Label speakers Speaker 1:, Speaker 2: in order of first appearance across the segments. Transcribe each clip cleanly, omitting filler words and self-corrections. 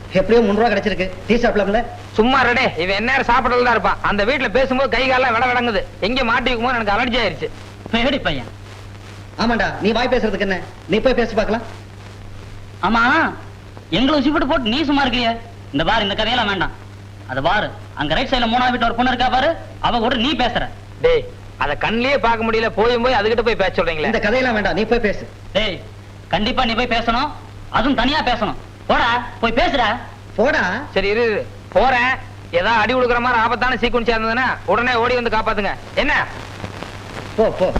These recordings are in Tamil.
Speaker 1: எப்படியோ 3 ரூபா கிடைச்சிருக்கு. டீ சாப்பிடலாம்ல?
Speaker 2: சும்மா ரெடே, இவன் என்ன சாப்பிடல தான் இருப்பான். அந்த வீட்டுல பேசும்போது கை காலம் விட விடங்குது. எங்க மாட்டி வைக்குமோ எனக்கு அலர்ஜி ஆயிருச்சு.
Speaker 3: மேடி பையன்.
Speaker 1: ஆமாண்டா, நீ வாய் பேசுறதுக்கு என்ன? நீ போய் பேசி பார்க்கலாம்.
Speaker 3: ஆமா, எங்களை உசிப்பிட்டு போட்டு நீ சும்மா இருக்கிய. இந்த பாரு, இந்த கதையெல்லாம் வேண்டாம். அது பாரு, அங்க ரைட் சைடுல 3ஆவது வீட்டு ஒரு பொண்ணு இருக்கா பாரு, அவ கூட நீ பேசுற.
Speaker 2: டேய், அத கண்ணிலேயே பார்க்க முடியல, போய் அதுகிட்ட போய் பேச சொல்றீங்களே.
Speaker 1: இந்த கதையெல்லாம் வேண்டாம், நீ போய் பேசு.
Speaker 3: டேய், கண்டிப்பா நீ போய் பேசணும், அதுவும் தனியா பேசணும். போடா, போய் பேசுடா.
Speaker 1: போடா.
Speaker 2: சரி இரு, போறேன். ஏதாவது அடி கொடுக்குற மாதிரி ஆபத்தான சீக்குவன்ஸ் இருந்ததுன்னா உடனே ஓடி வந்து காப்பாத்துங்க. என்ன?
Speaker 1: போ போ.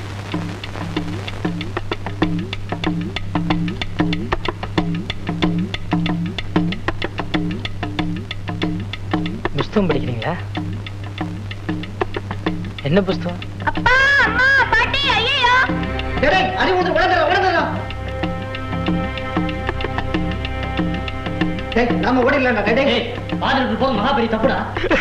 Speaker 2: புஸ்தகம் படிக்கிறீங்களா? என்ன புஸ்தகம்?
Speaker 4: அப்பா, அம்மா, பாட்டி, ஐயோ.
Speaker 1: டேய், அடி உடனே. டேய், நாம ஓடிடலாம்டா. டேய்,
Speaker 3: டேய், பாதிரிக்கு போறது மகாபெரிய தப்புடா.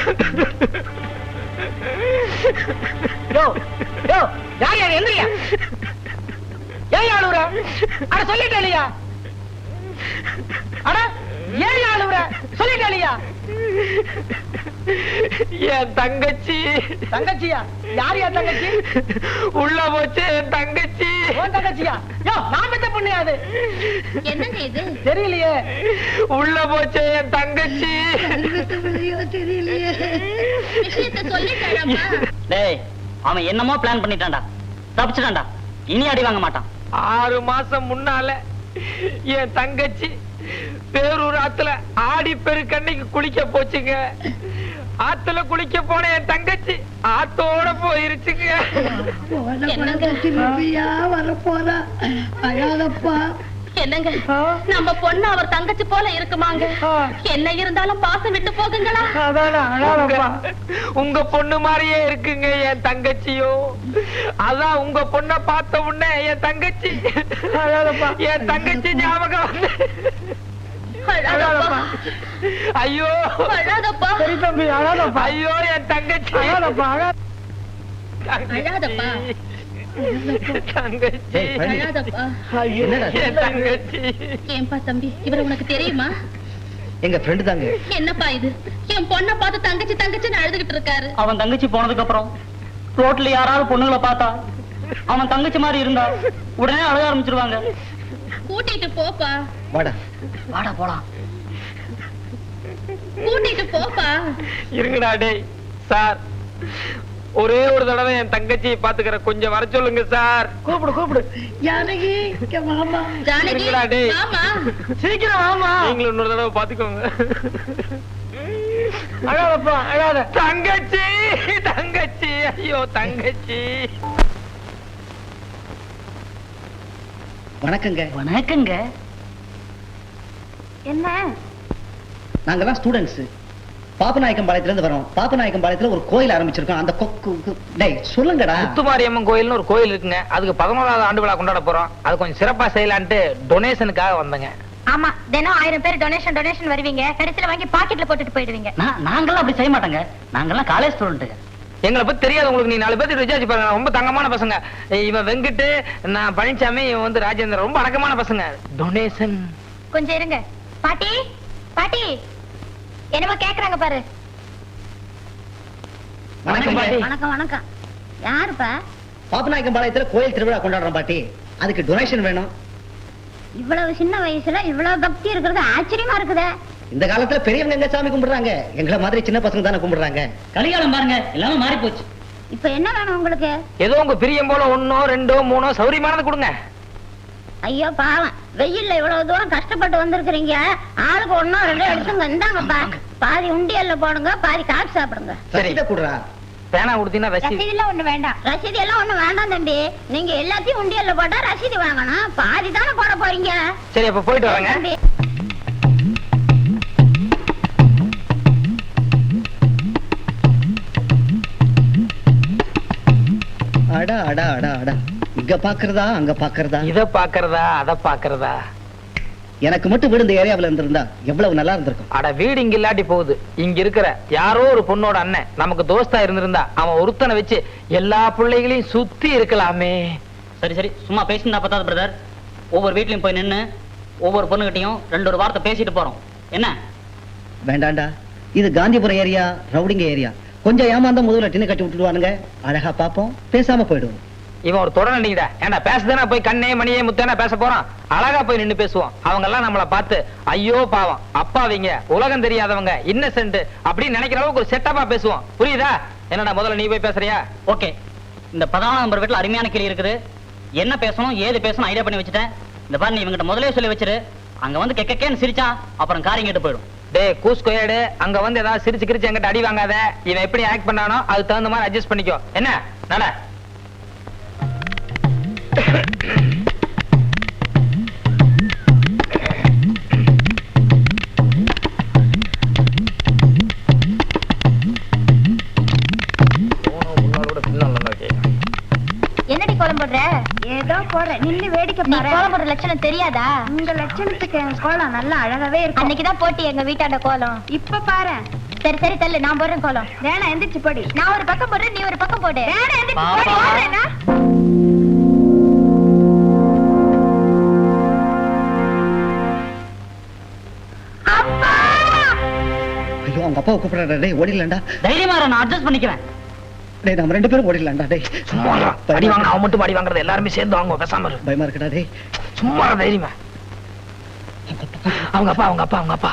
Speaker 2: யோ யோ, யார் யார் எந்திரியா? ஏன் ஆளுற? அட சொல்லிட்டே இல்லையா? அட ஏன் ஆளுற? சொல்லிட்டே இல்லையா? என் தங்கச்சி. தங்கச்சியா? யார் என் தங்கச்சி? உள்ள போச்சு என் தங்கச்சி. உன் தங்கச்சியா? யோ, நான் பெத்த பொண்ணு அது.
Speaker 4: என்னங்க இது?
Speaker 2: தெரியலையே. உள்ள போச்சு என் தங்கச்சி.
Speaker 1: தெரியலையே.
Speaker 4: விஷயத்தை சொல்லிட்டேன்ப்பா.
Speaker 3: டேய், அவன் என்னமோ பிளான் பண்ணிட்டான்டா, தப்பிச்சிட்டான்டா. இனி அடி வாங்க மாட்டான்.
Speaker 2: 6 மாசம் முன்னால என் தங்கச்சி பேரூர் ஆத்துல ஆடி பெருக்கன்னைக்கு குளிக்க போச்சுங்க. ஆத்துல குளிக்க போன என் தங்கச்சி ஆத்தோட போயிருச்சுங்க.
Speaker 4: வரப்போறா அழாதப்பா. என்னங்க, நம்ம பொண்ணு அவர் தங்கச்சி போல இருக்குமாங்க? என்ன இருந்தாலும் பாசம் விட்டு போகுங்களா?
Speaker 2: உங்க பொண்ணு மாதிரியே இருக்குங்க என் தங்கச்சியும். அதான் உங்க பொண்ண பார்த்த உடனே என் தங்கச்சி ஞாபகம் வந்து. ஐயோ
Speaker 4: அழாதப்பா.
Speaker 2: ஐயோ என் தங்கச்சி.
Speaker 4: அழாதப்பா.
Speaker 2: தங்கச்சி.
Speaker 4: அழாதப்பா.
Speaker 2: என் தங்கச்சி.
Speaker 4: ஏன்பா தம்பி, இவரை உனக்கு தெரியுமா?
Speaker 1: எங்க ஃப்ரெண்டு தாங்க.
Speaker 4: என்னப்பா இது? என் பொண்ணை பார்த்து தங்கச்சி தங்கச்சின்னு அழுதுகிட்டு இருக்காரு.
Speaker 3: அவன் தங்கச்சி போனதுக்கு அப்புறம் ரோட்ல யாராவது பொண்ணுங்களை பார்த்தா அவன் தங்கச்சி மாதிரி இருந்தா உடனே அழுக ஆரம்பிச்சிருவாங்க.
Speaker 4: கூட்டிட்டு போப்பா.
Speaker 1: வாடா.
Speaker 3: வாடா போலாம்.
Speaker 4: கூட்டிட்டு போப்பா.
Speaker 2: இருங்கடா. டேய் சார், ஒரே ஒரு தடவை என் தங்கச்சியை பாத்துக்கிற, கொஞ்சம் வர சொல்லுங்க சார். கூப்பிடு.
Speaker 4: ஜானகி, மாமா. ஜானகி, மாமா.
Speaker 2: சீக்கிரம் ஆமா. நீங்களும் இன்னொரு தடவை பாத்துக்கோங்க. அழாதப்பா, அழாத. தங்கச்சி. ஐயோ தங்கச்சி.
Speaker 1: வணக்கங்க.
Speaker 3: வணக்கங்க.
Speaker 4: என்ன?
Speaker 1: நாங்கெல்லாம் ஸ்டூடெண்ட்ஸ். பாப்பநாயக்கம்பாளையத்துல இருந்து வரோம். பாப்பநாயக்கம்பாளையத்துல ஒரு கோயில் ஆரம்பிச்சிருக்கோம். அந்த டேய் சொல்லுங்கடா.
Speaker 2: முத்துமாரியம்மன் கோயில்னு ஒரு கோயில் இருக்குங்க. அதுக்கு 11வது ஆண்டு விழா கொண்டாட போறோம். அது கொஞ்சம் சிறப்பா செய்யலான்ட்டு டொனேஷனுக்காக வந்தங்க.
Speaker 4: ஆமா, தினம் 1000 பேர் டொனேஷன் வருவீங்க. கடைசியில வாங்கி பாக்கெட்ல போட்டுட்டு போயிடுவீங்க.
Speaker 3: நாங்கெல்லாம் அப்படி செய்ய மாட்டாங்க. நாங்கெல்லாம் காலேஜ் ஸ்டூடெண்ட்.
Speaker 2: எங்களை பத்தி தெரியாது உங்களுக்கு. நீ 4 பேருக்கு விசாரிச்சு பாருங்க. ரொம்ப தங்கமான பசங்க. இவன் வெங்கிட்டு, நான் பழனிசாமி, இவன் வந்து ராஜேந்திரன். ரொம்ப அடக்கமான பசங்க. டொனேஷன்.
Speaker 4: கொஞ்சம் இருங்க. பாட்டி, என்னமோ கேக்குறாங்க பாரு. வணக்கம். யாருப்பா?
Speaker 1: பாப்பநாயக்கம்பாளையத்துல கோயில் திருவிழா கொண்டாடுறோம் பாட்டி. அதுக்கு டொனேஷன் வேணும்.
Speaker 4: இவ்வளவு சின்ன வயசுல இவ்வளவு பக்தி இருக்கிறது ஆச்சரியமா இருக்குதே.
Speaker 1: இந்த காலத்துல பெரியவங்க எங்க சாமி கும்பிடுறாங்க? எங்களை மாதிரி சின்ன பசங்க தானே கும்பிடுறாங்க.
Speaker 3: கலிகாலம் பாருங்க, எல்லாமே மாறி போச்சு.
Speaker 4: இப்ப என்ன வேணும் உங்களுக்கு?
Speaker 2: ஏதோ உங்க பிரியம் போல 1, 2, 3 சௌரியமானது கொடுங்க.
Speaker 4: ஐயோ பாவம், வெயில்ல இவ்வளவு தூரம் கஷ்டப்பட்டு வந்திருக்கிறீங்க. ஆளுக்கு 1, 2 எடுத்துங்க. இந்தாங்கப்பா, பாதி உண்டியல்ல போடுங்க, பாதி காசு சாப்பிடுங்க.
Speaker 1: ரசீதை குடுறா.
Speaker 2: பேனா கொடுத்தீங்கன்னா
Speaker 4: ரசீது எல்லாம் ஒண்ணு வேண்டாம். ரசீது எல்லாம் ஒண்ணு வேண்டாம் தம்பி. நீங்க எல்லாத்தையும் உண்டியல்ல போட்டா ரசீது வாங்கணும். பாதி தானே போட போறீங்க.
Speaker 2: சரி, அப்ப போயிட்டு வரேங்க.
Speaker 1: அடா அடா அடா அடா. இங்க பாக்குறதா அங்க பாக்குறதா,
Speaker 2: இத பாக்குறதா அத பாக்குறதா.
Speaker 1: எனக்கு மட்டும் வீடு இந்த ஏரியாவுல இருந்திருந்தா எவ்வளவு நல்லா இருந்திருக்கும்.
Speaker 2: அட, வீடு இங்க இல்லாட்டி போகுது. இங்க இருக்கிற யாரோ ஒரு பொண்ணோட அண்ணன் நமக்கு தோஸ்தா இருந்திருந்தா அவன் ஒருத்தனை வச்சு எல்லா பிள்ளைகளையும் சுத்தி இருக்கலாமே.
Speaker 3: சரி, சும்மா பேசினா பத்தாது பிரதர். ஒவ்வொரு வீட்லயும் போய் நின்னு ஒவ்வொரு பொண்ணுகிட்டையும் 2 வார்த்தை பேசிட்டு போறோம். என்ன
Speaker 1: வேண்டாண்டா, இது காந்திபுரம் ஏரியா, ரவுடிங்க ஏரியா. கொஞ்சம் ஏமாந்தா முதல்ல டின்னு கட்டி விட்டுடுவானுங்க. அழகா பாப்போம், பேசாம போயிடுவோம்.
Speaker 2: இவன் ஒரு தொடர் நினைக்கிறா. ஏன்டா பேசுதானா போய் கண்ணே மணியே முத்தேனா பேச போறான். அழகா போய் நின்னு பேசுவோம். அவங்க எல்லாம் நம்மளை பார்த்து ஐயோ பாவம், அப்பாவிங்க, உலகம் தெரியாதவங்க, இன்னசென்ட் அப்படின்னு நினைக்கிற அளவுக்கு ஒரு செட்டப்பா பேசுவோம். புரியுதா? என்னடா முதல்ல நீ போய் பேசுறியா?
Speaker 3: ஓகே. இந்த 14ஆம் நம்பர் வீட்டுல அருமையான கிளி இருக்குது. என்ன பேசணும் ஏது பேசணும் ஐடியா பண்ணி வச்சுட்டேன். இந்த பாரு, நீ இவங்கிட்ட முதலே சொல்லி வச்சிரு. அங்க வந்து கெக்கேன்னு சிரிச்சா அப்புறம் காரியம் கேட்டு போயிடும்.
Speaker 2: டே கூஸ்கோயடு, அங்க வந்து ஏதாவது சிரிச்சு கிரிச்சு எங்கிட்ட அடி வாங்காத. இவன் எப்படி ஆக்ட் பண்ணானோ அதுக்கு தகுந்த மாதிரி அட்ஜஸ்ட் பண்ணிக்கோ. என்ன நட.
Speaker 4: என்னடி கோலம் போடுற? ஏதோ போடுற, நின்னு வேடிக்கை பாரு. கோலம் போடுற லட்சணம் தெரியாதா? உங்க லட்சணத்துக்கு என் கோலம் நல்லா அழகாவே இருக்கு. அன்னைக்குதான் போட்டி எங்க வீட்டாண்ட கோலம். இப்ப பாரு. சரி சரி தள்ளு, நான் போடுறேன் கோலம். வேணா எந்திரிச்சு போடி. நான் ஒரு பக்கம் போடுறேன், நீ ஒரு பக்கம் போடு. வேணா எந்திரிச்சு போடி. போடுறேனா? அப்பா!
Speaker 1: ஐயோ, அவங்க அப்பாவை கூப்பிடுறா. டேய் ஓடிடலாம்டா.
Speaker 3: தைரியமா நான் அட்ஜஸ்ட் பண்ணிக்கிறேன்.
Speaker 1: டேய் நம்ம 2 பேரும் ஓடிடலாம்டா. டேய்
Speaker 2: சும்மா அடி வாங்க, அவன் மட்டும் அடி வாங்குறது எல்லாருமே சேர்ந்து வாங்குவோம். பேசாம இரு.
Speaker 1: பயமா இருக்குடா. டேய்
Speaker 2: சும்மா தைரியமா. அவங்க அப்பா அவங்க அப்பா அவங்க அப்பா.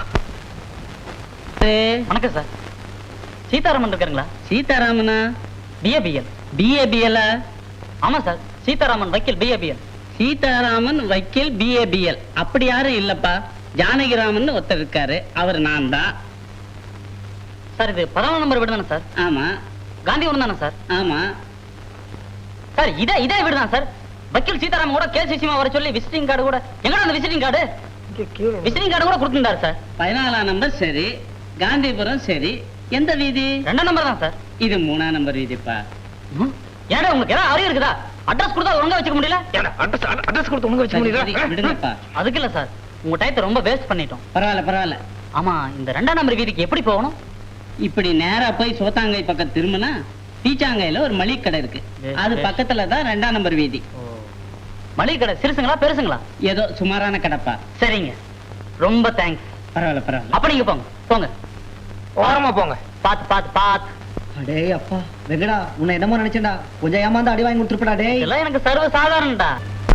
Speaker 3: வணக்கம் சார். சீதாராமன் இருக்காருங்களா?
Speaker 5: சீதாராமனா?
Speaker 3: பிஏபிஎல்.
Speaker 5: பிஏபிஎல்?
Speaker 3: ஆமா சார், சீதாராமன் வக்கீல் பிஏபிஎல்.
Speaker 5: சீதாராமன் வக்கீல் பிஏபிஎல் அப்படி யாரும் இல்லப்பா. ஜானகிராமன் ஒருத்தர் இருக்காரு, அவர் நான் தான்.
Speaker 3: சார் இது 14ஆம் நம்பர் வீடு தானே சார்?
Speaker 5: ஆமா
Speaker 3: காந்திபுரம் தானே சார்?
Speaker 5: ஆமா.
Speaker 3: சார் இதே வீடு தான் சார். வக்கீல் சீதாராமன் கூட கேஸ் விஷயமா வர சொல்லி விசிட்டிங் கார்டு கூட எங்கடா அந்த விசிட்டிங் கார்டு? விசிட்டிங் கார்டு கூட கொடுத்துட்டாரு சார்.
Speaker 5: 14ஆம் நம்பர் சரி, காந்திபுரம் சரி. எந்த வீதி?
Speaker 3: 2ஆம் நம்பர் தான் சார்.
Speaker 5: இது 3ஆம் நம்பர் வீதிப்பா.
Speaker 3: ஏடா உங்களுக்கு ஏதாவது அறிவு இருக்குதா? அட்ரஸ் கொடுத்தா ஒழுங்கா வச்சுக்க முடியல?
Speaker 2: அட்ரஸ் கொடுத்து உங்க வச்சு
Speaker 5: சரி,
Speaker 2: முடியல.
Speaker 5: விடுங்கப்பா.
Speaker 3: அதுக்கு இல்ல சார், உங்க டயத்தை ரொம்ப வேஸ்ட் பண்ணிட்டோம்.
Speaker 5: பரவாயில்ல பரவாயில்ல.
Speaker 3: ஆமா, இந்த 2ஆம் நம்பர் வீதிக்கு எப்படி போகணும்?
Speaker 5: இப்படி நேரா போய் சோத்தாங்கை பக்கம் திரும்பினா பீச்சாங்கையில ஒரு மளிகை கடை இருக்கு. அது பக்கத்துல தான் 2ஆம் நம்பர் வீதி.
Speaker 3: மளிகை கடை சிறுசுங்களா பெருசுங்களா?
Speaker 5: ஏதோ சுமாரான கடைப்பா.
Speaker 3: சரிங்க, ரொம்ப தேங்க்ஸ்.
Speaker 5: பரவாயில்ல பரவாயில்ல.
Speaker 3: அப்ப நீங்க போங்க போங்க.
Speaker 2: ஓரமா போங்க.
Speaker 3: பாத்து பாத்து பாத்து.
Speaker 1: டேய் அப்பா வெங்கடா, உன்னை என்னமோ நினைச்சேன்டா. கொஞ்சம் ஏமாந்து அடி வாங்கி கொடுத்துருப்படா. டேய்
Speaker 3: இதெல்லாம் எனக்கு சர்வ சாதாரணடா.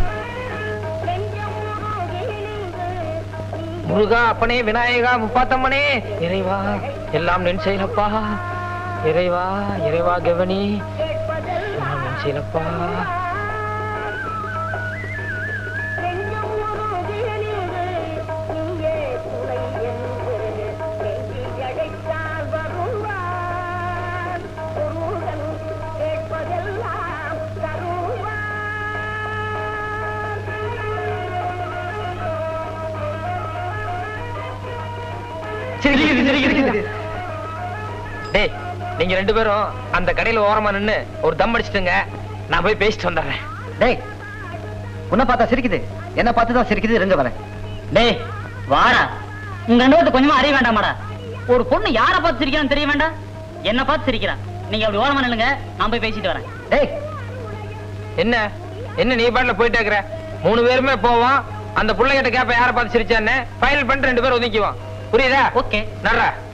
Speaker 2: முருகா அப்பனே, விநாயகா, முப்பாத்தம்மனே, இறைவா எல்லாம் நின் செயலப்பா. இறைவா இறைவா கவனி எல்லாம் நின் செயலப்பா. டேய் நீங்க 2 பேரும் அந்த கடையில ஓரமா நின்னு ஒரு தம் அடிச்சிட்டுங்க. நான் போய் பேசிட்டு வந்துடுறேன்.
Speaker 1: டேய் உன்னை பார்த்தா சிரிக்குது, என்ன பார்த்து தான் சிரிக்குது. இருங்க வரேன்.
Speaker 3: டேய் வாடா, உங்க 2 பேருக்கு கொஞ்சமா அறிய வேண்டாமாடா? ஒரு பொண்ணு யார பார்த்து சிரிக்கிறான்னு தெரிய வேண்டாம்? என்ன பார்த்து சிரிக்கிறான். நீங்க அப்படி ஓரமா நில்லுங்க, நான் போய் பேசிட்டு வரேன்.
Speaker 1: டேய்
Speaker 2: என்ன என்ன நீ பாட்டுல போயிட்டே இருக்கிற? 3 பேருமே போவோம். அந்த புள்ளைகிட்ட கேப்ப யார பார்த்து சிரிச்சான்னு ஃபைனல் பண்ணிட்டு 2 பேரும் ஒதுக்கிவோம். புரியுதா?
Speaker 3: ஓகே.
Speaker 2: நடுறா.